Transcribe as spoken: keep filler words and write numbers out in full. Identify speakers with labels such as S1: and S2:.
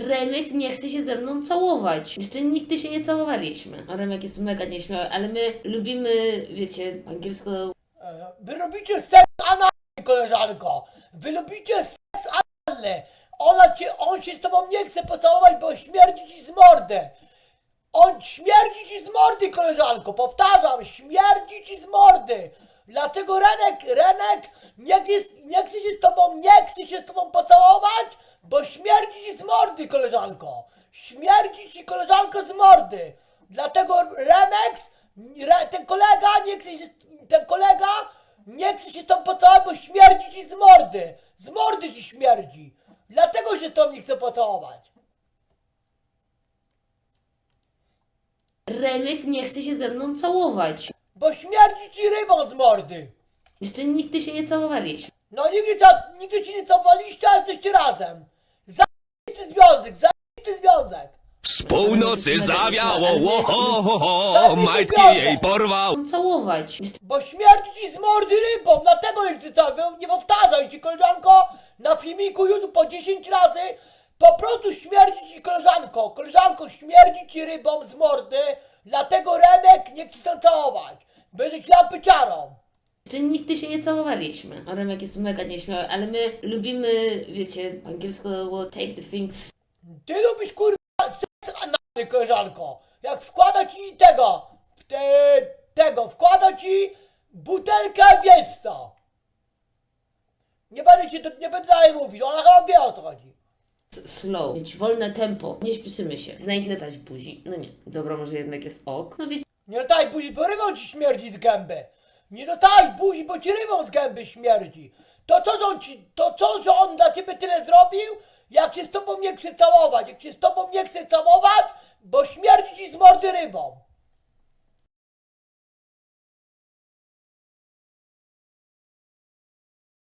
S1: Remek nie chce się ze mną całować. Jeszcze nigdy się nie całowaliśmy. A Remek jest mega nieśmiały, ale my lubimy, wiecie, po angielsku...
S2: E, Wy robicie seks analny, koleżanko. Wy lubicie seks analny. Ona cię, on się z tobą nie chce pocałować, bo śmierdzi ci z mordy. On śmierdzi ci z mordy, koleżanko. Powtarzam, śmierdzi ci z mordy. Dlatego Renek, Renek nie, jest, nie chce się z tobą, nie chce się z tobą pocałować, bo śmierdzi ci z mordy, koleżanko. Śmierdzi ci, koleżanko, z mordy. Dlatego Remex, re, ten kolega nie chce się, ten kolega nie chce się z tobą pocałować, bo śmierdzi ci z mordy. Z mordy ci śmierdzi. Dlatego się z tobą nie chce pocałować.
S1: Remek nie chce się ze mną całować.
S2: Bo śmierdzi ci rybą z mordy.
S1: Jeszcze nigdy się nie całowaliśmy.
S2: No nigdy, za, nigdy się nie cofaliście, a jesteście razem. Zajebisty związek, zajebisty związek.
S3: Z północy zawiało, łoho,
S2: Zabity
S3: majtki
S2: związek.
S3: jej porwał.
S1: Całować. Jeszcze
S2: Bo śmierdzi ci z mordy rybą, dlatego nie chcę cały, nie powtarzaj ci, koleżanko, na filmiku YouTube po dziesięć razy, po prostu śmierdzi ci, koleżanko, koleżanko, śmierdzi ci rybą z mordy, dlatego Remek nie chce się całować, będziesz lampyciarą.
S1: Jeszcze nigdy się nie całowaliśmy. A Remek jest mega nieśmiały, ale my lubimy, wiecie, po angielsku take the things...
S2: Ty lubisz, kurwa, seks analny, koleżanko, jak wkłada ci tego, te, tego, wkłada ci butelkę, wiesz co. Nie będę ci to, nie będę dalej mówić, ona chyba wie, o co chodzi.
S1: slow, mieć wolne tempo, nie śpieszymy się, znajdź letać buzi. No nie, dobra, może jednak jest ok. No wiecie,
S2: Nie dostałeś buzi, bo rybą ci śmierdzi z gęby. Nie dostałeś buzi, bo ci rybą z gęby śmierdzi. To co, że on ci, to co, że on dla ciebie tyle zrobił, jak się z tobą nie chce całować, jak się z tobą nie chce całować, bo śmierdzi ci z mordy rybą.